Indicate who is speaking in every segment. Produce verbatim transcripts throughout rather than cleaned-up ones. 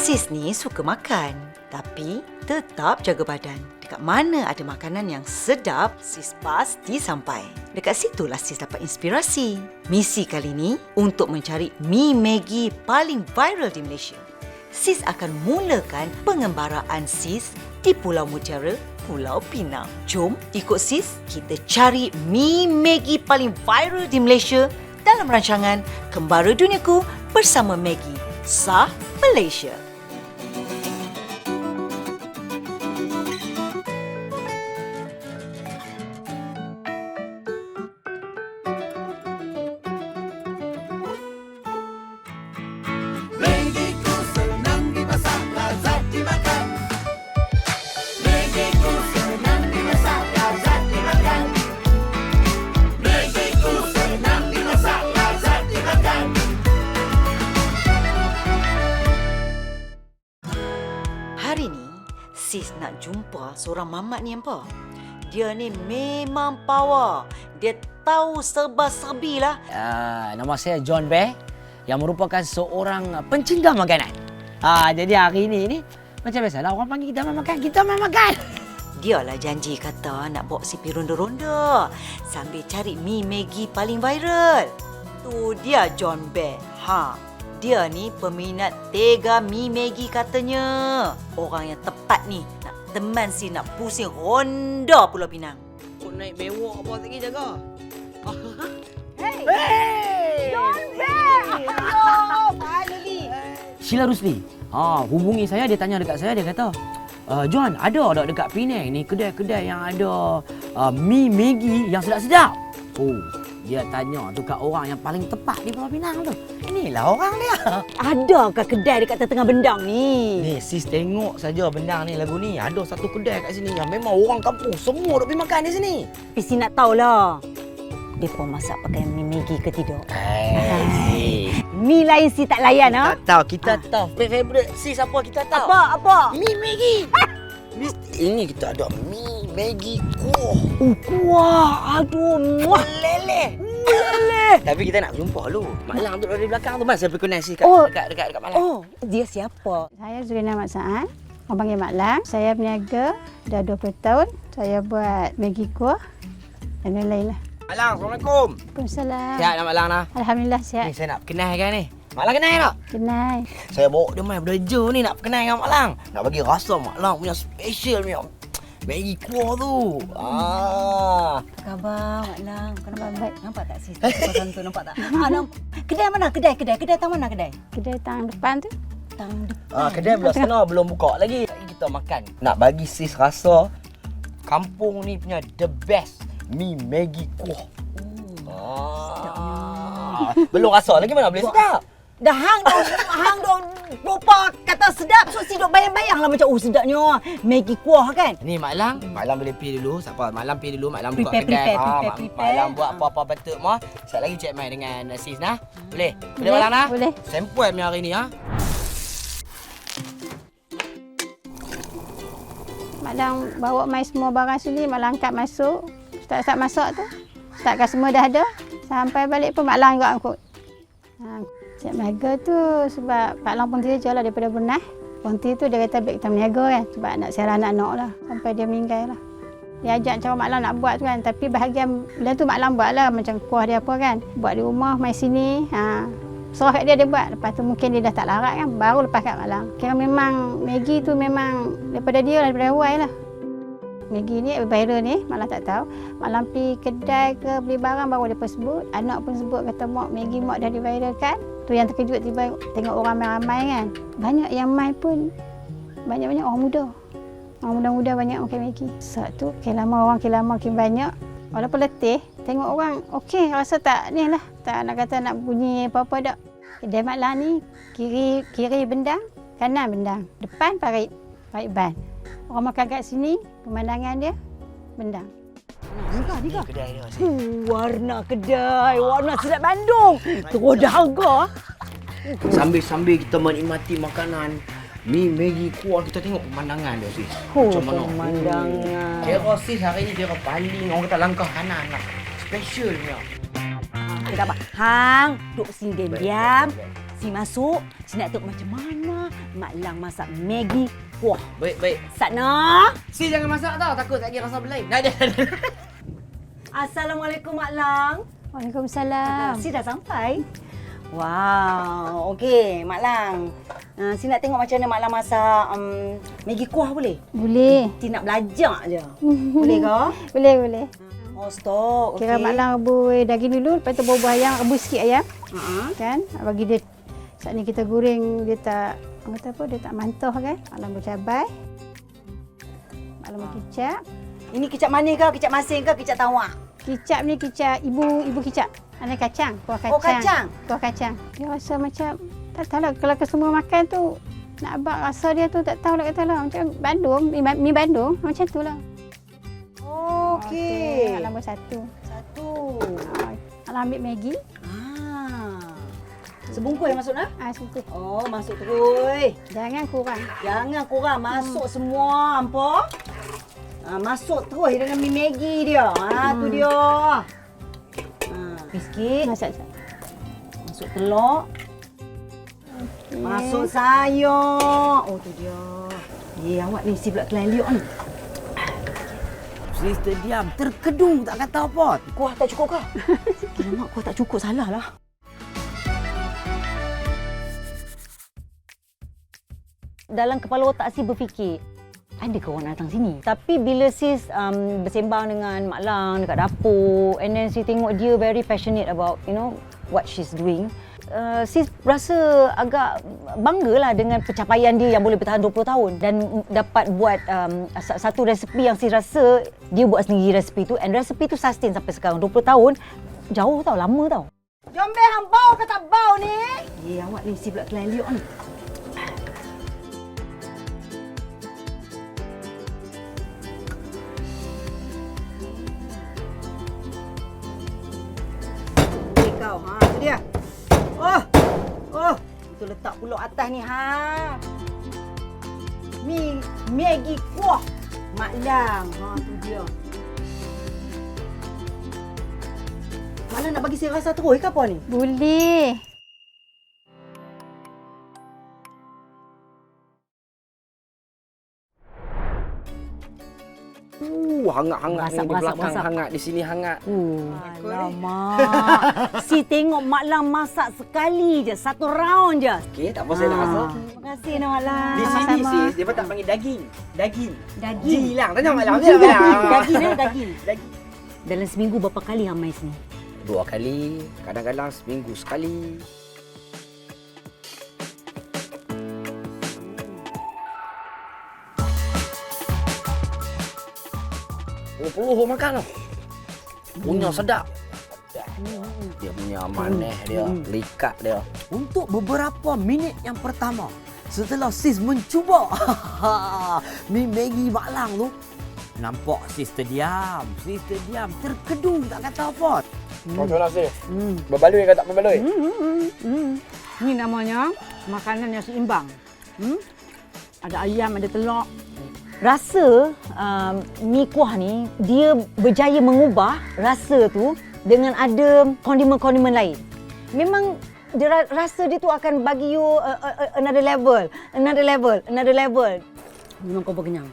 Speaker 1: Sis ni suka makan, tapi tetap jaga badan. Dekat mana ada makanan yang sedap, sis pasti sampai. Dekat situlah sis dapat inspirasi. Misi kali ni untuk mencari mi Maggi paling viral di Malaysia. Sis akan mulakan pengembaraan sis di Pulau Mutiara, Pulau Pinang. Jom ikut sis, kita cari mi Maggi paling viral di Malaysia dalam rancangan Kembara Duniaku bersama Maggi, Sah Malaysia. Hari ni, sis nak jumpa seorang mamat ni apa? Dia ni memang power. Dia tahu serba-serbi lah.
Speaker 2: Uh, nama saya John Bear yang merupakan seorang pencinta makanan. Uh, jadi hari ini ni macam biasalah orang panggil kita main makan, kita main makan.
Speaker 1: Dia lah janji kata nak bawa si pergi ronda-ronda sambil cari mi Maggi paling viral. Tu dia John Bear. Ha. Dia ni peminat tega mi Maggi katanya. Orang yang tepat ni nak teman si nak pusing ronda Pulau Pinang.
Speaker 2: Kau naik bewok apa lagi jaga?
Speaker 1: Hey! Hey! John Bear! Hello! Finally!
Speaker 2: Sheila Rusli. Ha, hubungi saya, dia tanya dekat saya, dia kata, uh, John, ada tak dekat Penang ni kedai-kedai yang ada uh, mi Maggi yang sedap-sedap? Oh, dia tanya tu kat orang yang paling tepat di Pulau Pinang tu. Inilah orang dia.
Speaker 1: Adakah kedai dekat tengah bendang ni?
Speaker 3: Ni sis tengok saja bendang ni lagu ni. Ada satu kedai kat sini yang memang orang kampung semua duk pergi makan di sini.
Speaker 1: Isi nak tahulah. Depa masak pakai mi Maggi ke tidak?
Speaker 3: Hai.
Speaker 1: Mi lain si tak layan ha?
Speaker 3: Tak tahu, kita ah. tahu. Favorite sis apa kita tahu?
Speaker 1: Apa? Apa?
Speaker 3: Mi Maggi. Ini kita ada mi Maggi kuah.
Speaker 1: Oh, kuah. Aduh, muah.
Speaker 3: Lele.
Speaker 1: Lele.
Speaker 3: Tapi kita nak jumpa dulu. Mak Lang duduk di belakang tu. Mas saya pergi sis kat,
Speaker 1: Oh.
Speaker 3: dekat, dekat, dekat Mak Lang.
Speaker 1: Oh, dia siapa?
Speaker 4: Saya Zurina Mat Saad, orang panggil Mak Lang. Saya berniaga dah dua puluh tahun. Saya buat Maggi kuah dan lain-lain lah.
Speaker 3: Mak Lang, Assalamualaikum.
Speaker 4: Waalaikumsalam.
Speaker 3: Sihat nak Mak Lang dah?
Speaker 4: Alhamdulillah
Speaker 3: Ni
Speaker 4: sihat.
Speaker 3: saya nak kenal kan ni. Mak Lang kenal tak?
Speaker 4: Kenal.
Speaker 3: Saya bawa dia main berdeja ni nak kenal dengan Mak Lang. Nak bagi rasa Mak Lang punya special punya Maggi kuah tu. Ah.
Speaker 1: Khabar, Mak Lang. Kau nampak
Speaker 4: Baik.
Speaker 1: Nampak tak sis? Pasal tu nampak tak? Ah, nampak. Kedai mana? Kedai, kedai. Kedai tang mana kedai?
Speaker 4: Kedai tang depan tu.
Speaker 1: Tang depan.
Speaker 3: Ah, kedai belah sana belum buka lagi. Lagi kita makan. Nak bagi sis rasa kampung ni punya the best mi Maggi kuah. Ah. Belum rasa lagi mana boleh sedap.
Speaker 1: Dah hang dah, hang dah lupa kata sedap. So si duk bayang-bayang lah macam oh sedapnya Maggi kuah kan?
Speaker 3: Ni Mak Lang, Mak Lang boleh pergi dulu. Siapa? Mak Lang pergi dulu, Mak Lang buka
Speaker 1: Prepare,
Speaker 3: kedai.
Speaker 1: prepare,
Speaker 3: Ah,
Speaker 1: prepare,
Speaker 3: Mak-
Speaker 1: prepare.
Speaker 3: Mak Lang buat apa-apa betul mah. Sekejap lagi cek mai dengan sis nah. Boleh? Boleh
Speaker 4: Boleh,
Speaker 3: Mak Lang nah?
Speaker 4: boleh.
Speaker 3: Sampel punya hari ni ha.
Speaker 4: Mak Lang bawa mai semua barang sini. Mak Lang angkat masuk. Start-start masak tu. Startkan semua dah ada. Sampai balik pun Mak Lang juga angkut. Ha, siap berniaga tu sebab Pak Lang Ponti je lah daripada Brunei. Ponti tu dia kata baik kita berniaga kan sebab nak siara anak-anak lah sampai dia meninggal lah. Dia ajak cara Mak Lang nak buat tu kan tapi bahagian bila tu Mak Lang buat lah macam kuah dia apa kan. Buat di rumah, mai sini. Ha, serah kat dia dia buat. Lepas tu mungkin dia dah tak larat kan baru lepas kat Mak Lang. Kira memang Maggi tu memang daripada dia lah, daripada awal lah. Maggi ni viral ni, Mak Lang tak tahu. Mak Lang pergi kedai ke beli barang baru dia pun sebut. Anak pun sebut kata mak Maggi mak dah diviralkan. Tu yang terkejut tiba tengok orang ramai kan. Banyak yang mai pun banyak-banyak orang muda. Orang muda-muda banyak makan Maggi. Saat tu makin lama orang makin lama makin banyak. Walaupun letih, tengok orang okey rasa tak ni lah. Tak nak kata nak bunyi apa-apa dak. Kedai Mak Lang ni kiri kiri bendang, kanan bendang, depan parit, parit ban. Orang makan kat sini, pemandangan dia bendang.
Speaker 1: Nikah,
Speaker 3: Ni
Speaker 1: nikah.
Speaker 3: kedai dia sis.
Speaker 1: Uh, warna kedai, warna sedap Bandung. Terus dah harga.
Speaker 3: Sambil-sambil kita menikmati makanan mi Maggi kuah, kita tengok pemandangan dia sis.
Speaker 1: Oh,
Speaker 3: Macam mana?
Speaker 1: pemandangan.
Speaker 3: Kira sis hari ni kira paling orang kata langkah kanan lah. Special punya.
Speaker 1: Kita dapat hang, duduk sini
Speaker 3: Baik,
Speaker 1: diam.
Speaker 3: baik, baik.
Speaker 1: Si masuk, si nak tengok macam mana
Speaker 5: Mak Lang masak Maggi kuah.
Speaker 3: Baik, baik.
Speaker 5: Sana.
Speaker 3: Si jangan masak tau. Takut tak kira rasa berlain. Dah, dah, dah.
Speaker 5: Assalamualaikum Mak Lang.
Speaker 4: Waalaikumsalam.
Speaker 5: Si dah sampai. Wow, okey Mak Lang. Uh, si nak tengok macam mana Mak Lang masak um, Maggi kuah boleh?
Speaker 4: Boleh.
Speaker 5: Si nak belajar je. Boleh ke?
Speaker 4: Boleh, boleh.
Speaker 5: Oh, stok. Okey.
Speaker 4: Kira Mak Lang rebus daging dulu, lepas tu bubuh ayam, rebus sikit ayam.
Speaker 5: Uh-huh.
Speaker 4: Kan? Bagi dia, saat ni kita goreng, dia tak, orang kata apa, dia tak mantoh kan. Mak Lang bercabai. Mak Lang berkicap.
Speaker 5: Ini kicap manis ke? Kicap masin ke? Kicap tawak?
Speaker 4: Kicap ni kicap, ibu ibu kicap. Ada kacang, kuah kacang.
Speaker 5: Oh, kacang?
Speaker 4: Kuah kacang. Dia rasa macam, tak tahu lah, kalau kesemua makan tu, nak abang rasa dia tu tak tahu lah kata lah. Macam Bandung, mi, mi Bandung, macam tu lah.
Speaker 5: Okey.
Speaker 4: Mak Lang buat satu.
Speaker 5: Satu.
Speaker 4: Mak Lang ambil Maggi.
Speaker 5: Ah. Sebungkus yang masuk nak?
Speaker 4: Ah, situ.
Speaker 5: Oh, masuk terus.
Speaker 4: Jangan kurang.
Speaker 5: Jangan kurang, masuk hmm. semua, hampa. Ha, masuk terus dengan mi Maggi dia. Ha, hmm. tu dia. Ha, sikit.
Speaker 4: Masak masak.
Speaker 5: Masuk telur.
Speaker 4: Okay.
Speaker 5: Masuk sayur. Oh, tu dia. Ye, awak ni si pula kelan liuk ni.
Speaker 2: Sister diam, terkedung tak kata apa.
Speaker 5: Kuah tak cukup ke? Alamak, kuah tak cukup, salah lah. Dalam kepala otak si berfikir, ada ke orang datang sini? Tapi bila sis um, bersembang dengan Mak Lang dekat dapur, and then si tengok dia very passionate about, you know, what she's doing, uh, sis rasa agak banggalah dengan pencapaian dia yang boleh bertahan dua puluh tahun dan dapat buat um, satu resepi yang sis rasa dia buat sendiri resepi tu, and resepi tu sustain sampai sekarang dua puluh tahun. Jauh tau, lama tau. Jom be, hang bau ke tak bau ni? Ye, awak ni si pula kelan liuk ni. Kau, ha, tu dia. Oh, oh, itu letak puluk atas ni, ha. Mi Maggi kuah Mak Lang, ha, tu dia. Mak Lang nak bagi saya rasa terus ke apa ni?
Speaker 4: Boleh.
Speaker 3: Uh, hangat-hangat ni
Speaker 5: Masak,
Speaker 3: di
Speaker 5: masak,
Speaker 3: belakang,
Speaker 5: masak.
Speaker 3: hangat di sini hangat.
Speaker 5: Uh, alamak. Si tengok Mak Lang masak sekali je, satu round je.
Speaker 3: Okey, tak apa saya nak rasa.
Speaker 5: Terima kasih nak Mak Lang.
Speaker 3: Di sini
Speaker 4: Sama-sama.
Speaker 3: sis, dia tak panggil daging. Daging.
Speaker 5: Daging.
Speaker 3: Jilang. Tanya Mak Lang. Tanya Mak Lang.
Speaker 5: Daging mana daging?
Speaker 3: Daging.
Speaker 5: Dalam seminggu berapa kali hang mai sini?
Speaker 3: Dua kali, kadang-kadang seminggu sekali. Oh, peluh makan tau. Punya sedap. Dia punya manis dia, likat dia.
Speaker 2: Untuk beberapa minit yang pertama, setelah sis mencuba mi Maggi Mak Lang tu, nampak sis terdiam. Sis terdiam, terkedung tak kata apa.
Speaker 3: Macam mana sis? Berbaloi ke tak berbaloi?
Speaker 5: Hmm, hmm, hmm, hmm. Ini namanya makanan yang seimbang. Hmm? Ada ayam, ada telur. Rasa um, mi kuah ni, dia berjaya mengubah rasa tu dengan ada kondimen-kondimen lain. Memang dia, rasa dia tu akan bagi you uh, uh, another level, another level, another level. Memang kau berkenyang.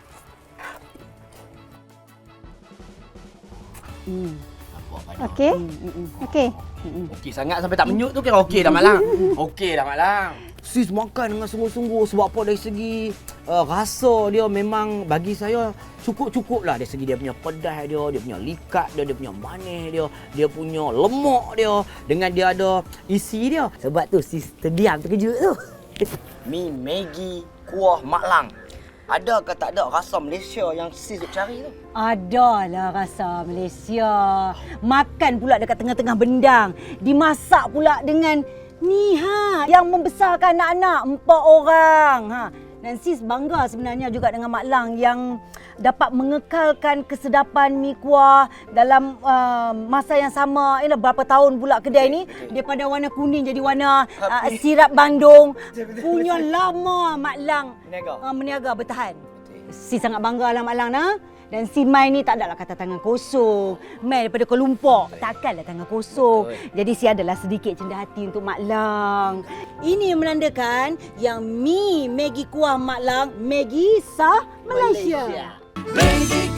Speaker 5: Hmm.
Speaker 4: Okey. Okey.
Speaker 3: Okey sangat sampai tak menyut tu kira okey dah Mak Lang. Okey dah Mak Lang.
Speaker 2: Sis makan dengan sungguh-sungguh sebab apa dari segi uh, rasa dia memang bagi saya cukup-cukup lah. Dari segi dia punya pedas dia, dia punya likat dia, dia punya manis dia, dia punya lemak dia dengan dia ada isi dia. Sebab tu sis terdiam terkejut tu.
Speaker 3: Mi Maggi kuah Mak Lang. Ada ke tak ada rasa Malaysia yang sis duk cari tu?
Speaker 5: Adalah rasa Malaysia. Makan pula dekat tengah-tengah bendang. Dimasak pula dengan ni ha, yang membesarkan anak-anak empat orang. Ha. Dan sis bangga sebenarnya juga dengan Mak Lang yang dapat mengekalkan kesedapan mi kuah dalam uh, masa yang sama. Ini berapa tahun pula kedai ni daripada warna kuning jadi warna uh, sirap Bandung. Punya lama Mak Lang
Speaker 3: Meniaga.
Speaker 5: uh, meniaga bertahan. Sis sangat bangga lah Mak Lang nah. Dan si Mai ni tak adalah kata tangan kosong. Mai daripada Kuala Lumpur, takkanlah tangan kosong.
Speaker 3: Betul.
Speaker 5: Jadi si adalah sedikit cendah hati untuk Mak Lang. Ini menandakan yang mi Maggi kuah Mak Lang, Maggi sah Malaysia.
Speaker 3: Malaysia.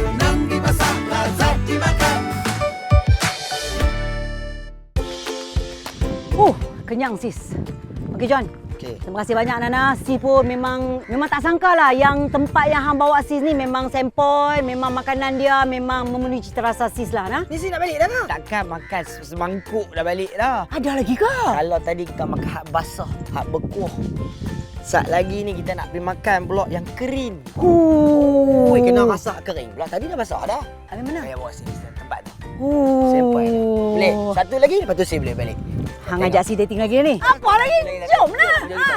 Speaker 5: Oh, kenyang sis. Okey John.
Speaker 3: Okey.
Speaker 5: Terima kasih banyak Nana. Sis pun memang memang tak sangka lah yang tempat yang hang bawa sis ni memang sempoi, memang makanan dia memang memenuhi cita rasa sis lah. Nah.
Speaker 3: Ni si nak balik dah ke? Takkan makan semangkuk dah balik dah.
Speaker 5: Ada lagi ke?
Speaker 3: Kalau tadi kita makan hak basah, hak bekuah. Sat lagi ni kita nak pergi makan pula yang kering.
Speaker 5: Oh,
Speaker 3: Oi, kena rasa kering pula. Tadi dah basah dah.
Speaker 5: Habis mana?
Speaker 3: Saya bawa sini tempat tu.
Speaker 5: Oh.
Speaker 3: Sempoi dah. Boleh. Satu lagi lepas tu saya boleh balik.
Speaker 5: Hang ajak si dating lagi ni. Apa lagi? Jom lah. Ha.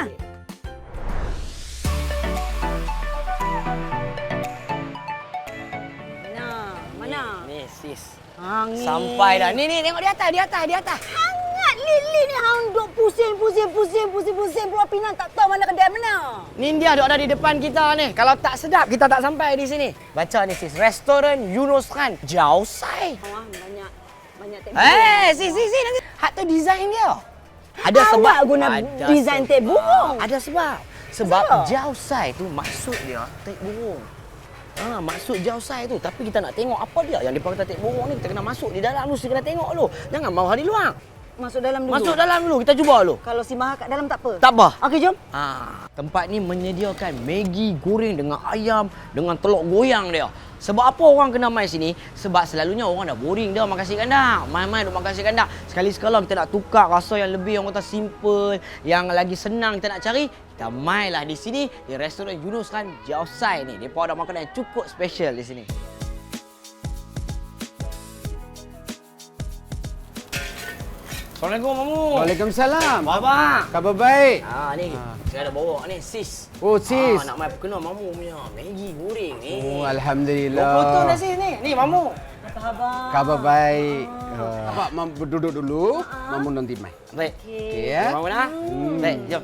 Speaker 5: Mana? Mana?
Speaker 3: Ni sis.
Speaker 5: Hang ni.
Speaker 3: Sampai dah. Ni ni tengok di atas, di atas, di atas.
Speaker 5: Hangat Lili ni hang duk pusing pusing pusing pusing pusing Pulau Pinang tak tahu mana kedai mana.
Speaker 3: Ni dia duk ada di depan kita ni. Kalau tak sedap kita tak sampai di sini. Baca ni sis. Restoran Yunus Khan Jausai.
Speaker 5: Wah, banyak banyak tek.
Speaker 3: Eh, sis sis sis nanti. Hak tu design dia. Ada
Speaker 5: Awak
Speaker 3: sebab
Speaker 5: guna
Speaker 3: ada
Speaker 5: design
Speaker 3: sebab.
Speaker 5: tek burung.
Speaker 3: Ada sebab. Sebab
Speaker 5: Sebab?
Speaker 3: Jausai tu maksud dia tek burung. Ha, maksud Jausai tu. Tapi kita nak tengok apa dia yang dipanggil tek burung ni. Kita kena masuk di dalam dulu. Kita kena tengok dulu. Jangan mau di luar.
Speaker 5: Masuk dalam dulu.
Speaker 3: Masuk dalam dulu. Kita cuba dulu.
Speaker 5: Kalau si Maha kat dalam tak apa.
Speaker 3: Tak apa.
Speaker 5: Okey, jom.
Speaker 3: Ha, tempat ni menyediakan Maggi goreng dengan ayam dengan telur goyang dia. Sebab apa orang kena mai sini? Sebab selalunya orang dah boring dah makan nasi kandang. Mai-mai duk makan nasi kandang. Sekali-sekala kita nak tukar rasa yang lebih orang kata simple, yang lagi senang kita nak cari, kita mailah di sini di restoran Yunus Khan Jausai ni. Depa ada makanan yang cukup special di sini. Assalamualaikum Mamu.
Speaker 6: Waalaikumsalam.
Speaker 3: Baba.
Speaker 6: Khabar baik?
Speaker 3: Ha ni, saya ada bawa ni sis.
Speaker 6: Oh, sis.
Speaker 3: Ah, nak mai perkenal Mamu punya Maggi goreng ni.
Speaker 6: Oh,
Speaker 3: Dua
Speaker 6: alhamdulillah.
Speaker 3: potong dah sis ni. Ni Mamu.
Speaker 5: Apa khabar?
Speaker 6: Khabar baik. Uh, Abang mam duduk dulu, mamu nanti mai.
Speaker 3: Baik.
Speaker 6: Okey ya.
Speaker 3: Mamu dah. Baik, jom.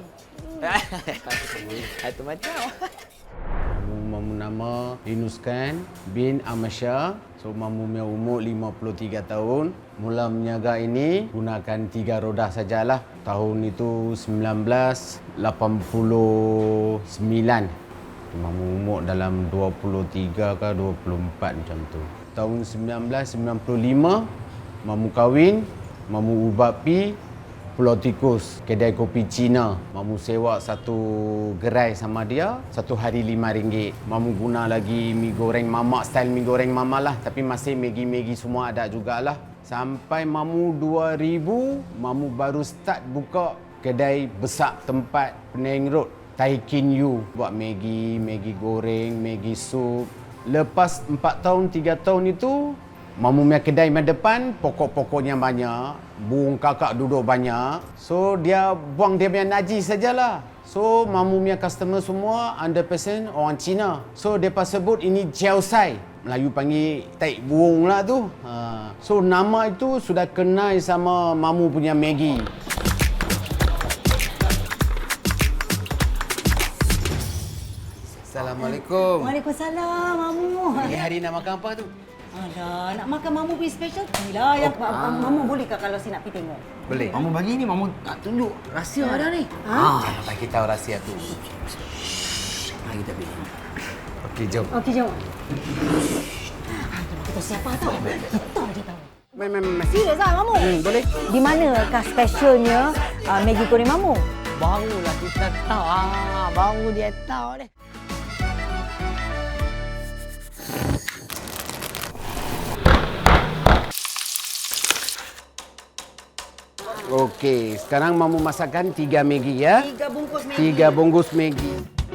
Speaker 3: Itu macam.
Speaker 6: Mamu nama Yunus Khan bin Amasya. So mamu punya umur lima puluh tiga tahun. Mula menjaga ini gunakan tiga roda sajalah. Tahun itu sembilan belas lapan puluh sembilan. Mamu umur dalam dua puluh tiga ke dua puluh empat macam tu. Tahun sembilan belas sembilan puluh lima mamu kahwin, mamu ubah pi Pulau Tikus, kedai kopi Cina. Mamu sewa satu gerai sama dia, satu hari lima ringgit. Mamu guna lagi mi goreng mama, style mi goreng mama lah. Tapi masih Maggi-Maggi semua ada jugalah. Sampai mamu dua ribu, mamu baru start buka kedai besar tempat Penang Road. Taikin Yu. Buat Maggi, Maggi goreng, Maggi sup. Lepas empat tahun, tiga tahun itu, mamu punya kedai di depan, pokok-pokoknya banyak. Burung kakak duduk banyak. So, dia buang dia punya najis sajalah. So, mamu punya customer semua one hundred percent orang Cina. So, mereka sebut ini Jausai. Melayu panggil taik burung lah tu. Ha. So, nama itu sudah kenal sama mamu punya Maggi. Assalamualaikum.
Speaker 5: Waalaikumsalam, Mamu.
Speaker 6: Ini hari nak makan apa tu?
Speaker 5: Alah, nak makan Mamu punya special lah. Yang
Speaker 6: Oh, ah.
Speaker 5: Mamu boleh ke kalau si nak pergi tengok?
Speaker 6: Boleh.
Speaker 3: Mamu bagi ni, Mamu tak tunjuk rahsia dah ni.
Speaker 6: Ah, jangan bagi tahu rahsia tu.
Speaker 3: Mari kita pergi.
Speaker 6: Okey, jom.
Speaker 5: Okey, jom. Kita siapa tahu? Kita je tahu.
Speaker 6: Mai, mai, mai.
Speaker 5: Serius lah, Mamu?
Speaker 6: Hmm, boleh.
Speaker 5: Di manakah specialnya uh, Maggi goreng Mamu?
Speaker 3: Barulah kita tahu. Ah, baru dia tahu deh.
Speaker 6: Okey, sekarang mamu masakkan tiga Maggi ya.
Speaker 5: Tiga bungkus Maggi.
Speaker 6: Tiga bungkus Maggi.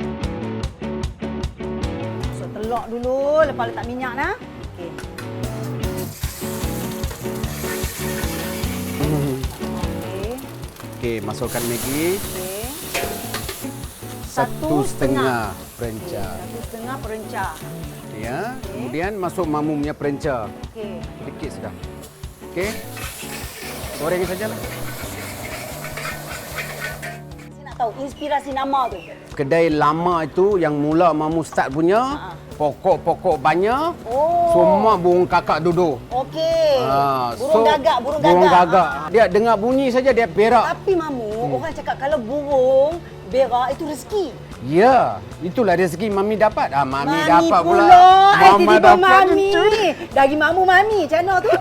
Speaker 5: Masuk telur dulu, lepas letak minyak nah. Okey. Okey.
Speaker 6: Okey, masukkan Maggi.
Speaker 5: Okey.
Speaker 6: Satu setengah perenca.
Speaker 5: Satu setengah perenca.
Speaker 6: Ya. Kemudian masuk mamu punya perenca.
Speaker 5: Okey.
Speaker 6: Sedikit sudah. Okey. Goreng sajalah.
Speaker 5: Saya nak tahu inspirasi nama tu.
Speaker 6: Kedai lama itu yang mula Mamu start punya, pokok-pokok banyak,
Speaker 5: Oh.
Speaker 6: semua burung kakak duduk.
Speaker 5: Okey.
Speaker 6: Ah,
Speaker 5: burung
Speaker 6: so,
Speaker 5: gagak, burung gagak.
Speaker 6: Burung gagak.
Speaker 5: Ah.
Speaker 6: Dia dengar bunyi saja dia berak.
Speaker 5: Tapi Mamu, hmm. orang cakap kalau burung berak itu rezeki.
Speaker 6: Ya, itulah rezeki Mami dapat. Ah, Mami,
Speaker 5: Mami
Speaker 6: dapat pula.
Speaker 5: pula. Eh,
Speaker 6: Mama
Speaker 5: tiba-tiba
Speaker 6: dapat
Speaker 5: Mami.
Speaker 6: itu.
Speaker 5: Dari Mamu Mami, macam mana tu?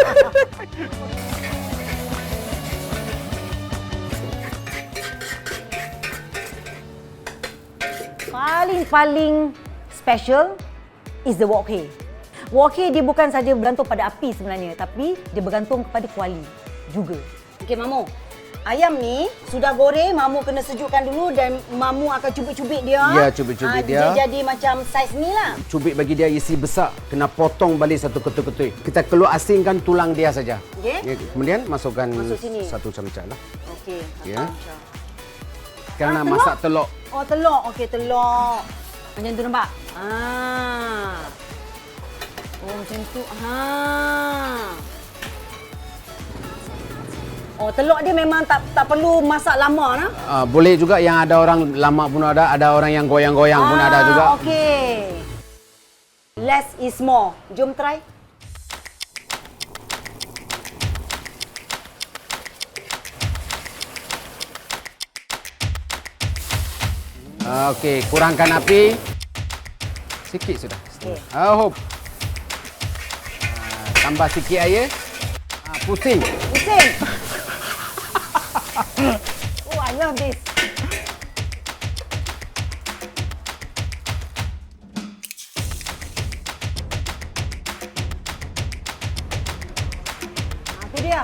Speaker 5: Paling-paling special is the wok hei. Wok hei dia bukan saja bergantung pada api sebenarnya, tapi dia bergantung kepada kuali juga. Okey Mamu, ayam ni sudah goreng, Mamu kena sejukkan dulu dan Mamu akan cubit-cubit dia.
Speaker 6: Ya, cubit-cubit
Speaker 5: Ah,
Speaker 6: dia.
Speaker 5: Dia jadi macam saiz ni lah.
Speaker 6: Cubit bagi dia isi besar, kena potong balik satu ketui-ketui. Kita keluar asingkan tulang dia saja.
Speaker 5: Okey.
Speaker 6: Ya, kemudian masukkan
Speaker 5: Masuk sini.
Speaker 6: satu camca lah.
Speaker 5: Okey.
Speaker 6: Ya.
Speaker 5: macam.
Speaker 6: Kerana
Speaker 5: Ah, telur?
Speaker 6: masak telur.
Speaker 5: Oh, telur. Okey, telur. Macam tu nampak? Ah. Oh, macam tu. Ha. Oh, telur dia memang tak tak perlu masak lama nah.
Speaker 6: Uh, boleh juga yang ada orang lama pun ada, ada orang yang goyang-goyang pun ada juga.
Speaker 5: Okey. Less is more. Jom try.
Speaker 6: Uh, Okey, kurangkan api. Sikit sudah.
Speaker 5: Okey.
Speaker 6: Uh, hop. Uh, tambah sikit air. Uh, pusing.
Speaker 5: Pusing. Oh, I love this. Ah, tu dia.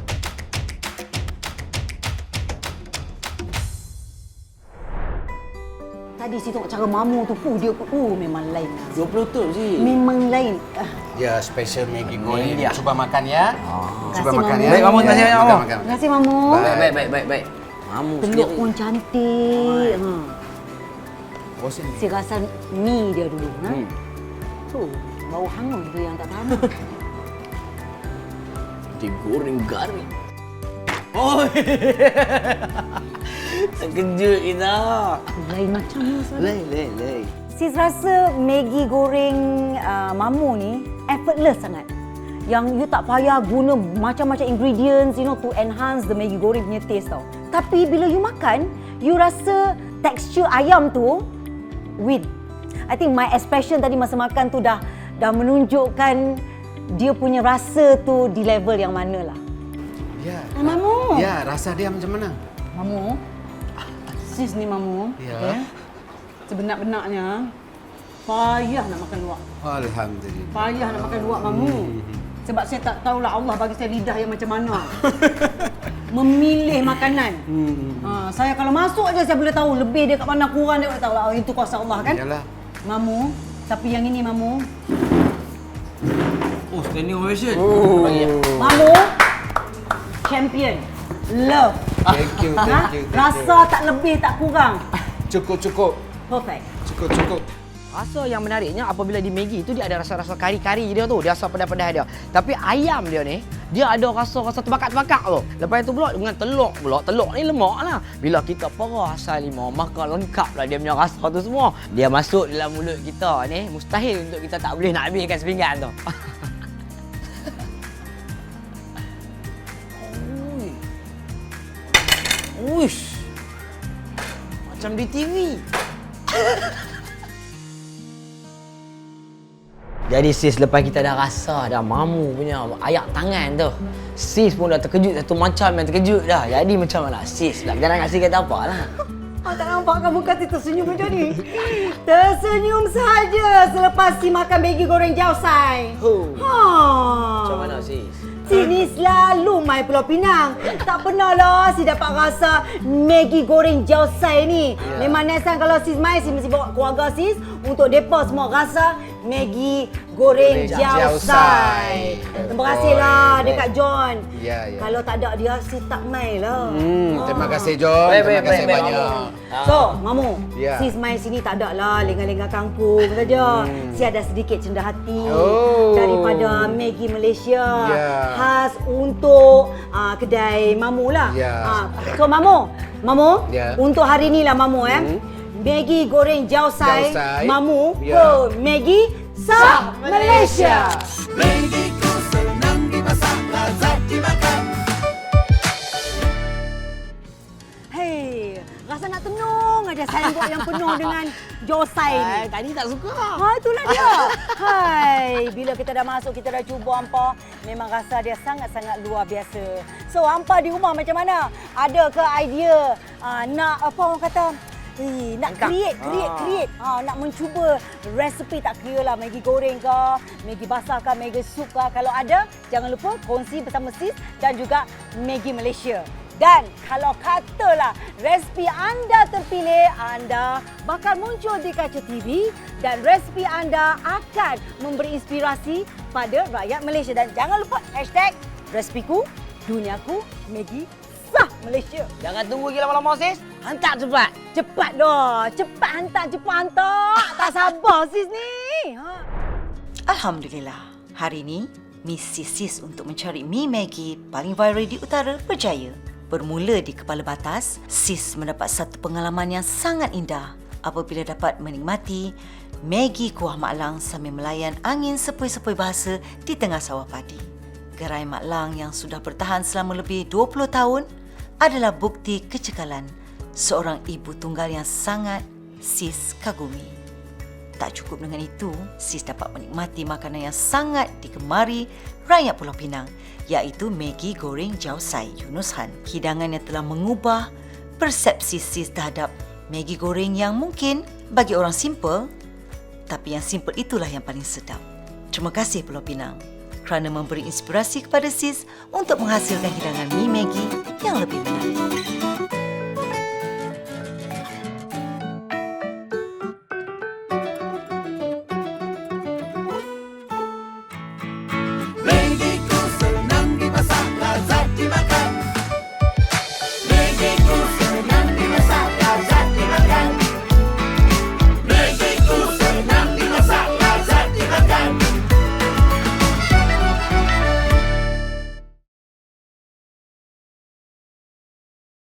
Speaker 5: Tadi si tengok cara Mamu tu, uh, dia uh, memang lain lah.
Speaker 3: dua puluh tu sih.
Speaker 5: Memang lain. Ah,
Speaker 6: Ya, special Maggi
Speaker 3: goreng.
Speaker 6: goreng. Cuba makan ya. Cuba
Speaker 5: Terima
Speaker 6: makan
Speaker 5: kasih,
Speaker 6: ya.
Speaker 3: Baik, Mamu. Terima kasih,
Speaker 6: Ya,
Speaker 3: Mamu.
Speaker 6: makan, makan.
Speaker 5: terima kasih Mamu.
Speaker 3: Baik, baik, baik, baik, baik. Mamu
Speaker 5: Telur
Speaker 3: sendiri.
Speaker 5: pun cantik. Ha.
Speaker 6: Bosan.
Speaker 5: Si rasa mi dia dulu. Ha?
Speaker 3: Hmm.
Speaker 5: Tu, bau hangus tu yang tak tahan.
Speaker 3: Digoreng garing. Oh. Terkejut kita.
Speaker 5: Lain macam ni sebenarnya.
Speaker 3: Lain, lain, lain.
Speaker 5: Sis rasa Maggi goreng uh, Mamu ni effortless sangat. Yang you tak payah guna macam-macam ingredients, you know, to enhance the Maggi goreng punya taste tau. Tapi bila you makan, you rasa tekstur ayam tu win. I think my expression tadi masa makan tu dah dah menunjukkan dia punya rasa tu di level yang mana lah.
Speaker 6: Ya.
Speaker 5: Ah, Mamu.
Speaker 6: Ya, rasa dia macam mana?
Speaker 7: Mamu, sis ni Mamu,
Speaker 6: Ya.
Speaker 7: okay, sebenar-benarnya payah nak makan luak.
Speaker 6: Alhamdulillah.
Speaker 7: Payah nak makan luak Mamu. Sebab saya tak tahulah Allah bagi saya lidah yang macam mana. Memilih makanan. Ha, saya kalau masuk aja saya boleh tahu lebih dia kat mana, kurang dia boleh tahu lah. Oh, itu kuasa Allah kan?
Speaker 6: Yalah.
Speaker 7: Mamu, tapi yang ini Mamu,
Speaker 3: Oh, standing ovation.
Speaker 6: Oh.
Speaker 7: Mamu, champion. Love.
Speaker 6: Thank you, thank
Speaker 7: Ha?
Speaker 6: you, thank
Speaker 7: Rasa tak lebih tak kurang.
Speaker 6: Cukup, cukup.
Speaker 7: Perfect.
Speaker 6: Cukup, cukup.
Speaker 3: Rasa yang menariknya apabila di Maggi tu dia ada rasa-rasa kari-kari dia tu, dia rasa pedas-pedas dia. Tapi ayam dia ni, dia ada rasa-rasa terbakar-terbakar tu. Lepas itu pula dengan telur pula, telur ni lemak lah. Bila kita perah asal limau, maka lengkap lah dia punya rasa tu semua. Dia masuk dalam mulut kita ni, mustahil untuk kita tak boleh nak habiskan sepinggan tu. Uish. Macam di T V. Jadi sis, lepas kita dah rasa dah Mamu punya ayak tangan tu, sis pun dah terkejut satu macam yang terkejut dah. Jadi macam mana sis pula? Kita nak kasi kata apa lah.
Speaker 5: Oh, tak nampak kamu kasi tersenyum macam ni. Tersenyum saja selepas si makan Maggi goreng jausai.
Speaker 3: Huh.
Speaker 5: Ha.
Speaker 3: Macam mana sis?
Speaker 5: Sini selalu mai Pulau Pinang. Tak pernah lah si dapat rasa Maggi goreng jausai ni.
Speaker 3: Ya.
Speaker 5: Memang next time kalau sis mai, sis mesti bawa keluarga sis untuk depa semua rasa
Speaker 7: Maggi goreng
Speaker 6: Goreng
Speaker 7: jausai.
Speaker 6: jausai.
Speaker 7: Terima kasihlah
Speaker 6: Betul.
Speaker 7: dekat John.
Speaker 6: Ya, ya.
Speaker 7: Kalau tak ada dia, sis tak main lah.
Speaker 6: Hmm, terima kasih John.
Speaker 3: Baik,
Speaker 6: Terima
Speaker 3: baik,
Speaker 6: kasih
Speaker 3: baik,
Speaker 6: banyak.
Speaker 3: baik.
Speaker 7: So, Mamu,
Speaker 6: Ya.
Speaker 7: sis main sini tak ada lah lengah-lengah kangkung saja.
Speaker 6: Hmm.
Speaker 7: Sis ada sedikit cendah hati
Speaker 6: Oh.
Speaker 7: daripada Maggi Malaysia.
Speaker 6: Ya.
Speaker 7: Khas untuk uh, kedai Mamu lah.
Speaker 6: Ya.
Speaker 7: Ah, so, Mamu, Mamu,
Speaker 6: Ya.
Speaker 7: untuk hari ni lah Mamu eh.
Speaker 6: Hmm.
Speaker 7: Maggi goreng jausai,
Speaker 6: Jausai.
Speaker 7: Mamu
Speaker 6: Ya.
Speaker 7: ke Maggi Sah Malaysia. Hei, rasa nak tenung aja sandwich yang penuh dengan jausai ni.
Speaker 3: Eh, tadi tak suka.
Speaker 7: Ha, itulah dia. Hai, bila kita dah masuk, kita dah cuba hampa, memang rasa dia sangat-sangat luar biasa. So, hampa di rumah macam mana? Ada ke idea uh, nak apa orang kata? Eh, nak
Speaker 3: Angkat.
Speaker 7: create, create,
Speaker 3: Ah.
Speaker 7: create. Ha, nak mencuba resepi tak kira lah Maggi goreng ke, Maggi basah ke, Maggi sup ke. Kalau ada, jangan lupa kongsi bersama sis dan juga Maggi Malaysia. Dan kalau katalah resipi anda terpilih, anda bakal muncul di kaca T V dan resipi anda akan memberi inspirasi pada rakyat Malaysia. Dan jangan lupa hashtag resepiku, duniaku, Maggi Sah Malaysia.
Speaker 3: Jangan tunggu lagi lama-lama sis. Hantar cepat.
Speaker 7: Cepat dah, cepat hantar, cepat hantar. Tak sabar sis ni. Ha.
Speaker 1: Alhamdulillah, hari ini misi Sis untuk mencari mi Maggi paling viral di utara berjaya. Bermula di Kepala Batas, Sis mendapat satu pengalaman yang sangat indah apabila dapat menikmati Maggi kuah mak lang sambil melayan angin sepoi-sepoi bahasa di tengah sawah padi. Gerai mak lang yang sudah bertahan selama lebih dua puluh tahun adalah bukti kecekalan seorang ibu tunggal yang sangat Sis kagumi. Tak cukup dengan itu, Sis dapat menikmati makanan yang sangat digemari rakyat Pulau Pinang, iaitu Maggi goreng jausai Yunus Han. Hidangan yang telah mengubah persepsi Sis terhadap Maggi goreng yang mungkin bagi orang simple, tapi yang simple itulah yang paling sedap. Terima kasih Pulau Pinang kerana memberi inspirasi kepada Sis untuk menghasilkan hidangan mi Maggi yang lebih menarik.